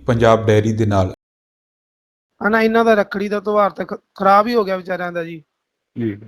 Punjab dairy ਦੇ ਨਾਲ। ਹਨਾ ਇਹਨਾਂ ਦਾ ਰੱਖੜੀ ਦਾ ਤਿਉਹਾਰ ਤਾਂ ਖਰਾਬ ਹੀ ਹੋ ਗਿਆ ਵਿਚਾਰਿਆਂ ਦਾ ਜੀ। ਜੀ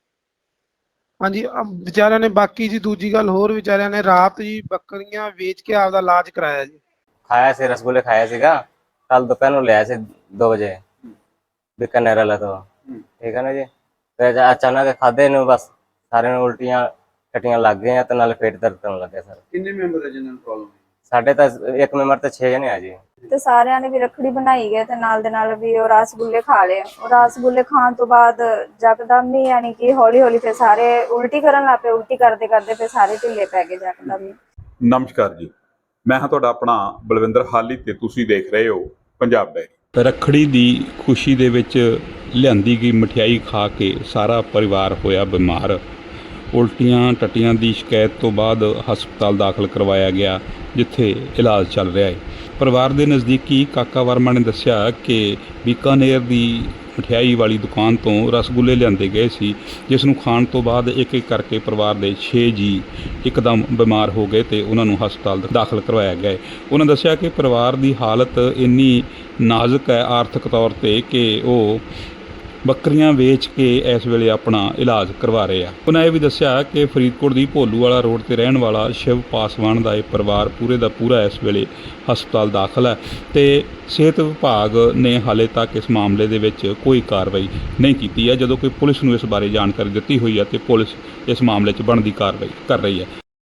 ਹਾਂਜੀ ਵਿਚਾਰਿਆਂ ਨੇ ਬਾਕੀ ਜੀ ਦੂਜੀ ਗੱਲ ਹੋਰ ਵਿਚਾਰਿਆਂ ਨੇ ਰਾਤ ਜੀ ਬੱਕਰੀਆਂ ਵੇਚ ਕੇ ਆਪਦਾ ਇਲਾਜ ਕਰਾਇਆ ਜੀ। खाया से रसगुल्ले खाया सीगा कल दोपहर में ले आए थे 2 बजे बीकानेर वाला तो ठीक है ना जी। तो अचानक खाधे ने बस सारे ने उल्टियां टट्टियां लग गई तो नाले पेट दर्द करने लग गया सर। कितने मेंबर है जिन्होंने प्रॉब्लम साढ़े तो एक मेंबर तो 6 जने आ जी। ਤੇ ਸਾਰਿਆਂ ਨੇ ਵੀ ਰੱਖੜੀ ਬਣਾਈ ਗਏ ਤੇ ਨਾਲ ਦੇ ਨਾਲ ਵੀ ਉਹ ਰਸਗੁੱਲੇ ਖਾ ਲਏ। ਉਹ ਰਸਗੁੱਲੇ ਖਾਣ ਤੋਂ ਬਾਅਦ ਜਕਦਮ ਹੀ ਯਾਨੀ ਕਿ ਹੌਲੀ ਹੌਲੀ ਫਿਰ ਸਾਰੇ ਉਲਟੀ ਕਰਨ ਲੱਗ ਪਏ। ਉਲਟੀ ਕਰਦੇ ਕਰਦੇ ਫਿਰ ਸਾਰੇ ਢਿੱਲੇ ਪੈ ਗਏ ਜਕਦਮ ਹੀ। ਨਮਸਕਾਰ ਜੀ, ਮੈਂ ਹਾਂ ਤੁਹਾਡਾ ਆਪਣਾ ਬਲਵਿੰਦਰ ਹਾਲੀ ਤੇ ਤੁਸੀਂ ਦੇਖ ਰਹੇ ਹੋ ਪੰਜਾਬ ਡੈਰੀ। ਰੱਖੜੀ ਦੀ ਖੁਸ਼ੀ ਦੇ ਵਿੱਚ ਲਿਆਂਦੀ ਗਈ ਮਠਿਆਈ ਖਾ ਕੇ ਸਾਰਾ ਪਰਿਵਾਰ ਹੋਇਆ ਬਿਮਾਰ। ਉਲਟੀਆਂ ਟੱਟੀਆਂ ਦੀ ਸ਼ਿਕਾਇਤ ਤੋਂ ਬਾਅਦ ਹਸਪਤਾਲ ਦਾਖਲ ਕਰਵਾਇਆ ਗਿਆ, ਜਿੱਥੇ ਇਲਾਜ ਚੱਲ ਰਿਹਾ ਹੈ। ਪਰਿਵਾਰ ਦੇ ਨਜ਼ਦੀਕੀ ਕਾਕਾ ਵਰਮਾ ਨੇ ਦੱਸਿਆ ਕਿ ਬੀਕਾਨੇਰ ਦੀ ਮਠਿਆਈ ਵਾਲੀ ਦੁਕਾਨ ਤੋਂ ਰਸਗੁੱਲੇ ਲਿਆਂਦੇ ਗਏ ਸੀ, ਜਿਸ ਨੂੰ ਖਾਣ ਤੋਂ ਬਾਅਦ ਇੱਕ ਇੱਕ ਕਰਕੇ ਪਰਿਵਾਰ ਦੇ 6 ਜੀ ਇੱਕਦਮ ਬਿਮਾਰ ਹੋ ਗਏ ਤੇ ਉਹਨਾਂ ਨੂੰ ਹਸਪਤਾਲ ਦਾਖਲ ਕਰਵਾਇਆ ਗਿਆ ਹੈ। ਉਹਨਾਂ ਦੱਸਿਆ ਕਿ ਪਰਿਵਾਰ ਦੀ ਹਾਲਤ ਇੰਨੀ ਨਾਜ਼ੁਕ ਹੈ ਆਰਥਿਕ ਤੌਰ 'ਤੇ ਕਿ ਉਹ ਬੱਕਰੀਆਂ ਵੇਚ ਕੇ ਇਸ ਵੇਲੇ ਆਪਣਾ ਇਲਾਜ ਕਰਵਾ ਰਹੇ ਆ। ਉਹਨਾਂ ਇਹ ਵੀ ਦੱਸਿਆ ਕਿ ਫਰੀਦਕੋਟ ਦੀ ਭੋਲੂਵਾਲਾ ਰੋਡ ਤੇ ਰਹਿਣ ਵਾਲਾ ਸ਼ਿਵ ਪਾਸਵਾਨ ਦਾ ਇਹ ਪਰਿਵਾਰ ਪੂਰੇ ਦਾ ਪੂਰਾ ਇਸ ਵੇਲੇ ਹਸਪਤਾਲ ਦਾਖਲ ਹੈ ਤੇ ਸਿਹਤ ਵਿਭਾਗ ਨੇ ਹਾਲੇ ਤੱਕ ਇਸ ਮਾਮਲੇ ਦੇ ਵਿੱਚ ਕੋਈ ਕਾਰਵਾਈ ਨਹੀਂ ਕੀਤੀ ਹੈ, ਜਦੋਂ ਕਿ ਪੁਲਿਸ ਨੂੰ ਇਸ ਬਾਰੇ ਜਾਣਕਾਰੀ ਦਿੱਤੀ ਹੋਈ ਹੈ ਤੇ ਪੁਲਿਸ ਇਸ ਮਾਮਲੇ 'ਚ ਬਣਦੀ ਕਾਰਵਾਈ ਕਰ ਰਹੀ ਹੈ।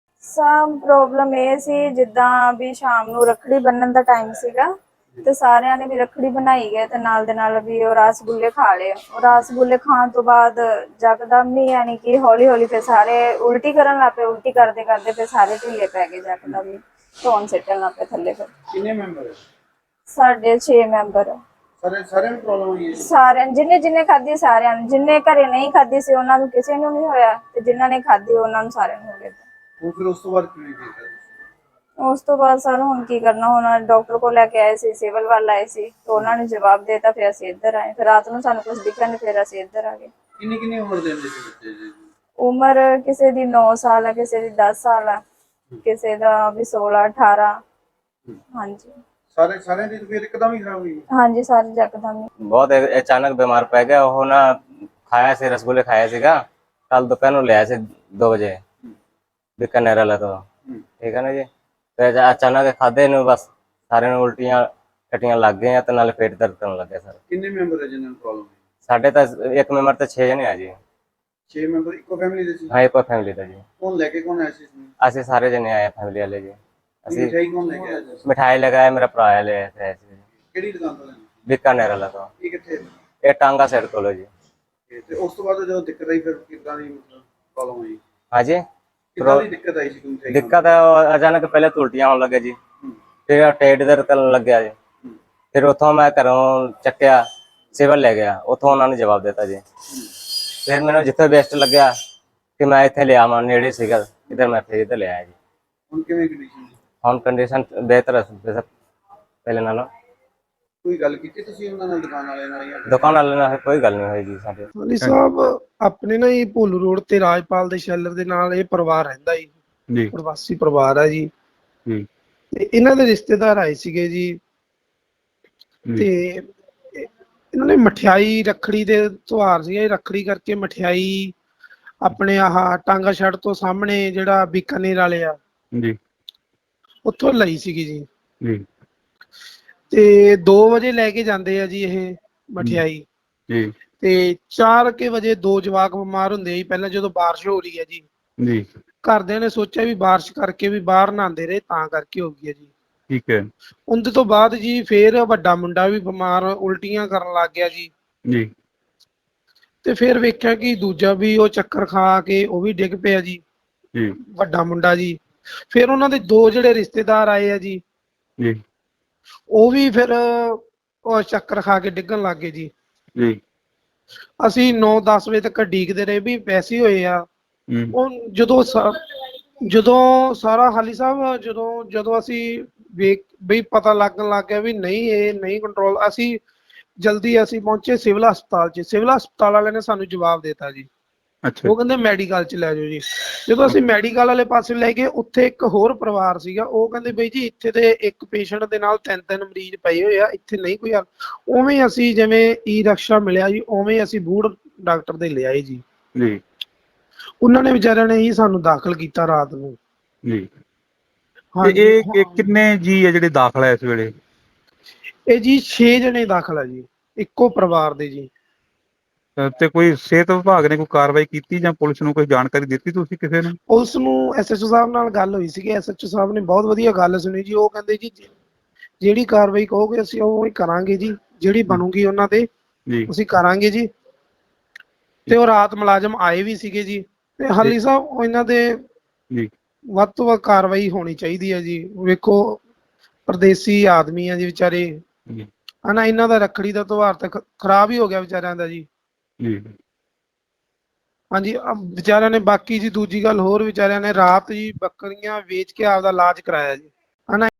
ਸਭ ਪ੍ਰੋਬਲਮ ਇਹ ਸੀ ਜਿੱਦਾਂ ਵੀ ਸ਼ਾਮ ਨੂੰ ਰੱਖੜੀ ਬੰਨਣ ਦਾ ਟਾਈਮ ਸੀਗਾ ਤੇ ਸਾਰਿਆਂ ਨੇ ਵੀ ਰੱਖੜੀ ਬਣਾਈ ਗਏ ਤੇ ਨਾਲ ਦੇ ਨਾਲ ਵੀ ਉਹ ਰਸਗੁੱਲੇ ਖਾ ਲਏ। ਉਹ ਰਸਗੁੱਲੇ ਖਾਣ ਤੋਂ ਬਾਅਦ ਜਕਦਮ ਹੀ ਯਾਨੀ ਕਿ ਹੌਲੀ ਹੌਲੀ ਫਿਰ ਸਾਰੇ ਉਲਟੀ ਕਰਨ ਲੱਗ ਪਏ। ਉਲਟੀ ਕਰਦੇ ਕਰਦੇ ਫਿਰ ਸਾਰੇ ਢਿੱਲੇ ਪੈ ਗਏ ਜਕਦਮ ਹੀ। ਧੌਣ ਸਿੱਟਣ ਲੱਗ ਪਏ ਥੱਲੇ। ਫਿਰ कितने मेंबर है ਸਾਡੇ 6 ਮੈਂਬਰ सारे में प्रॉब्लम हुई है। ਸਾਰਿਆਂ ਜਿੰਨੇ ਖਾਧੀ ਸਾਰਿਆਂ ਨੂੰ, ਜਿੰਨੇ ਘਰੇ ਨਹੀਂ ਖਾਧੀ ਸੀ ਉਹਨਾਂ ਨੂੰ ਕਿਸੇ ਨੂੰ ਨਹੀਂ ਹੋਇਆ ਤੇ ਜਿਨ੍ਹਾਂ ਨੇ ਖਾਧੀ ਉਹਨਾਂ ਨੂੰ ਸਾਰਿਆਂ ਨੂੰ ਹੋ ਗਿਆ। वो फिर उस तो बाद क्यों नहीं किया? ਉਸ ਤੋਂ ਬਾਅਦ ਸਰ ਹੁਣ ਕੀ ਕਰਨਾ, ਹੁਣ ਡਾਕਟਰ ਕੋਲ ਲੈ ਕੇ ਆਏ ਸੀ, ਸਿਵਲ ਵੱਲ ਆਏ ਸੀ ਤਾਂ ਉਹਨਾਂ ਨੇ ਜਵਾਬ ਦੇਤਾ। ਫਿਰ ਅਸੀਂ ਇੱਧਰ ਆਏ, ਫਿਰ ਰਾਤ ਨੂੰ ਸਾਨੂੰ ਕੁਝ ਦਿਖਿਆ ਨਹੀਂ, ਫਿਰ ਅਸੀਂ ਇੱਧਰ ਆ ਗਏ। किन्नी किन्नी उम्र दे जैसे बच्चे जी? ਉਮਰ ਕਿਸੇ ਦੀ 9 ਸਾਲ ਹੈ, ਕਿਸੇ ਦੀ 10 ਸਾਲ ਹੈ, ਕਿਸੇ ਦਾ ਵੀ 16 18। ਹਾਂਜੀ सारे दी तबीयत एकदम ही खराब हुई। ਹਾਂਜੀ ਸਾਰੇ ਜਕਦਮ ਹੀ। बहुत अचानक बीमार पै गया वो ना। खाया से रसगुल्ले खाया सीगा कल दोपहर में ले आए थे 2 बजे बीकानेर वाला तो ठीक है ना जी। तो अचानक खाधे ने बस सारे ने उल्टियां टट्टियां लग गई तो नाले पेट दर्द करने लग गया सर। किन्ने मेंबर है जिन्होंने प्रॉब्लम हुई? साढ़े तो एक मेंबर तो 6 जने आ जी। 6 मेंबर इको फैमिली दे सी? हाँ एक फैमिली था जी। कौन लेके कौन आया सी इसमें? असि सारे जने आए फैमिली वाले जी। असि मिठाई कौन लेके आया सी? मिठाई लगाया मेरा भरा ले आए थे ऐसे। केड़ी दुकान तो लेनी? बीकानेर वाला तो ये किथे? ये टांगा साइड को लो जी। ते उस तो बाद जो दिक्कत आई फिर कितना दी मतलब प्रॉब्लम हुई? हाँ जी कितना दी दिक्कत आई सी तुम थे? दिक्कत है अचानक पहले तो उल्टियां होने लगे जी, फिर पेट दर्द करने लग गया जी। फिर उतों मैं घरों चक्या सिविल ले गया, उतों उन्होंने जवाब देता जी। फिर मैंने जिथे बेस्ट लग्या कि मैं इतने ले आवा नेड़े सीगा इधर, मैं फिर इधर ले आया जी। उन किवें कंडीशन? हम कंडीशन बेहतर है पहले नालों। कोई गल कीती तुसी उन्हां नाल दुकान वाले नाल या? दुकान वाले नाल कोई गल नहीं होएगी साडे। ਹਾਲੀ ਸਾਹਿਬ ਆਪਣੇ ਨਾ ਇਹ ਭੋਲੂ ਰੋਡ ਤੇ ਰਾਜਪਾਲ ਦੇ ਸ਼ੈਲਰ ਦੇ ਨਾਲ ਇਹ ਪਰਿਵਾਰ ਰਹਿੰਦਾ ਜੀ, ਪ੍ਰਵਾਸੀ ਪਰਿਵਾਰ ਹੈ ਜੀ। ਤੇ ਇਹਨਾਂ ਦੇ ਰਿਸ਼ਤੇਦਾਰ ਆਏ ਸੀਗੇ ਜੀ ਤੇ ਇਹਨਾਂ ਨੇ ਮਠਿਆਈ ਰੱਖੜੀ ਦੇ ਤਿਉਹਾਰ ਸੀ, ਇਹ ਰੱਖੜੀ ਕਰਕੇ ਮਠਿਆਈ ਆਪਣੇ ਆਹ ਟਾਂਗਾ ਛੜ ਤੋਂ ਸਾਹਮਣੇ ਜਿਹੜਾ ਬੀਕਾਨੇਰ ਵਾਲੇ ਆ ਜੀ ਉੱਥੋਂ ਲਈ ਸੀਗੀ ਜੀ। ਜੀ ਤੇ 2 ਵਜੇ ਲੈ ਕੇ ਜਾਂਦੇ ਆ ਜੀ ਇਹ ਮਠਿਆਈ ਜੀ ਤੇ 4 ਵਜੇ 2 ਜਵਾਕ ਬਿਮਾਰ ਹੁੰਦੇ ਜੀ। ਪਹਿਲਾਂ ਜਦੋਂ ਬਾਰਿਸ਼ ਹੋ ਰਹੀ ਹੈ ਜੀ, ਜੀ ਘਰਦਿਆਂ ਨੇ ਸੋਚਿਆ ਵੀ ਬਾਰਿਸ਼ ਕਰਕੇ ਵੀ ਬਾਹਰ ਨਹਾਉਂਦੇ ਰਹੇ ਤਾਂ ਕਰਕੇ ਹੋ ਗਈ ਹੈ ਜੀ। ਠੀਕ ਹੈ ਉਹਦੇ ਤੋਂ ਬਾਅਦ ਜੀ ਫੇਰ ਵੱਡਾ ਮੁੰਡਾ ਵੀ ਬਿਮਾਰ ਉਲਟੀਆਂ ਕਰਨ ਲੱਗ ਗਿਆ ਜੀ। ਜੀ ਤੇ ਫਿਰ ਵੇਖਿਆ ਕਿ ਦੂਜਾ ਵੀ ਉਹ ਚੱਕਰ ਖਾ ਕੇ ਉਹ ਵੀ ਡਿੱਗ ਪਿਆ ਜੀ, ਜੀ ਵੱਡਾ ਮੁੰਡਾ ਜੀ। ਫਿਰ ਉਹਨਾਂ ਦੇ 2 ਜਿਹੜੇ ਰਿਸ਼ਤੇਦਾਰ ਆਏ ਆ ਜੀ, ਜੀ ਉਹ ਵੀ ਫਿਰ ਉਹ ਚੱਕਰ ਖਾ ਕੇ ਡਿੱਗਣ ਲੱਗ ਗਏ ਜੀ। ਜੀ ਅਸੀਂ 9-10 ਵਜੇ ਤੱਕ ਡੀਕਦੇ ਰਹੇ ਵੀ ਪੈਸੇ ਹੋਏ ਆ। ਉਹ ਜਦੋਂ ਸਾਰਾ ਹਾਲੀ ਸਾਹਿਬ ਜਦੋਂ ਅਸੀਂ ਵੇਖ ਬਈ ਪਤਾ ਲੱਗਣ ਲੱਗ ਗਿਆ ਵੀ ਨਹੀਂ ਇਹ ਨਹੀਂ ਕੰਟਰੋਲ, ਅਸੀਂ ਜਲਦੀ ਪਹੁੰਚੇ ਸਿਵਲ ਹਸਪਤਾਲ 'ਚ। ਸਿਵਲ ਹਸਪਤਾਲ ਵਾਲਿਆਂ ਨੇ ਸਾਨੂੰ ਜਵਾਬ ਦੇਤਾ ਜੀ ਅੱਛਾ ਉਹ ਕਹਿੰਦੇ ਮੈਡੀਕਲ ਚ ਲੈ ਜਾਓ ਜੀ। ਜਦੋਂ ਅਸੀਂ ਮੈਡੀਕਲ ਵਾਲੇ ਪਾਸੇ ਲੈ ਗਏ, ਉੱਥੇ ਇੱਕ ਹੋਰ ਪਰਿਵਾਰ ਸੀਗਾ, ਉਹ ਕਹਿੰਦੇ ਬਈ ਜੀ ਇੱਥੇ ਤੇ ਇੱਕ ਪੇਸ਼ੈਂਟ ਦੇ ਨਾਲ 3-3 ਮਰੀਜ਼ ਪਏ ਹੋਏ ਆ, ਇੱਥੇ ਨਹੀਂ ਕੋਈ ਹੱਲ। ਉਵੇਂ ਅਸੀਂ ਜਿਵੇਂ ਈ ਰਿਕਸ਼ਾ ਮਿਲਿਆ ਜੀ, ਉਵੇਂ ਅਸੀਂ ਬੂੜ ਡਾਕਟਰ ਦੇ ਲਿਆਏ ਜੀ। ਜੀ ਉਹਨਾਂ ਨੇ ਵਿਚਾਰਿਆਂ ਨੇ ਹੀ ਸਾਨੂੰ ਦਾਖਲ ਕੀਤਾ ਰਾਤ ਨੂੰ। ਜੀ। ਤੇ ਹਾਂਜੀ ਇਹ ਕਿੰਨੇ ਜੀ ਹੈ ਜਿਹੜੇ ਦਾਖਲ ਹੈ ਇਸ ਵੇਲੇ? ਇਹ ਜੀ 6 ਜਣੇ ਦਾਖਲ ਆ ਜੀ, ਇੱਕੋ ਪਰਿਵਾਰ ਦੇ ਜੀ। ਤੇ ਕੋਈ ਸਿਹਤ ਵਿਭਾਗ ਨੇ ਕੋਈ ਕਾਰਵਾਈ ਕੀਤੀ ਜਾਂ ਪੁਲਿਸ ਨੂੰ ਕੋਈ ਜਾਣਕਾਰੀ ਦਿੱਤੀ ਤੁਸੀਂ ਕਿਸੇ ਨੂੰ? ਪੁਲਿਸ ਨੂੰ ਐਸਐਚਓ ਸਾਹਿਬ ਨਾਲ ਗੱਲ ਹੋਈ ਸੀਗੀ, ਐਸਐਚਓ ਸਾਹਿਬ ਨੇ ਬਹੁਤ ਵਧੀਆ ਗੱਲ ਸੁਣੀ ਜੀ। ਉਹ ਕਹਿੰਦੇ ਜੀ ਜਿਹੜੀ ਕਾਰਵਾਈ ਕਹੋਗੇ ਅਸੀਂ ਉਹ ਹੀ ਕਰਾਂਗੇ ਜੀ, ਜਿਹੜੀ ਬਣੂਗੀ ਉਹਨਾਂ ਤੇ ਜੀ ਅਸੀਂ ਕਰਾਂਗੇ ਜੀ। ਤੇ ਉਹ ਰਾਤ ਮੁਲਾਜ਼ਮ ਆਏ ਵੀ ਸੀਗੇ ਜੀ। ਤੇ ਹਾਲੀ ਸਾਹਿਬ ਉਹ ਇਹਨਾਂ ਦੇ ਜੀ ਵੱਧ ਤੋਂ ਵੱਧ ਕਾਰਵਾਈ ਹੋਣੀ ਚਾਹੀਦੀ ਹੈ ਜੀ। ਵੇਖੋ ਪਰਦੇਸੀ ਆਦਮੀ ਆ ਜੀ ਵਿਚਾਰੇ, ਜੀ ਹਨਾ, ਇਹਨਾਂ ਦਾ ਰੱਖੜੀ ਦਾ ਤਿਉਹਾਰ ਤਾਂ ਖਰਾਬ ਹੀ ਹੋ ਗਿਆ ਵਿਚਾਰਿਆਂ ਦਾ ਜੀ। ਜੀ। ਹਾਂਜੀ ਵਿਚਾਰਿਆਂ ਨੇ, ਬਾਕੀ ਜੀ ਦੂਜੀ ਗੱਲ ਹੋਰ, ਵਿਚਾਰਿਆਂ ਨੇ ਰਾਤ ਜੀ ਬੱਕਰੀਆਂ ਵੇਚ ਕੇ ਆਪਦਾ ਇਲਾਜ ਕਰਾਇਆ ਜੀ, ਹਨਾ।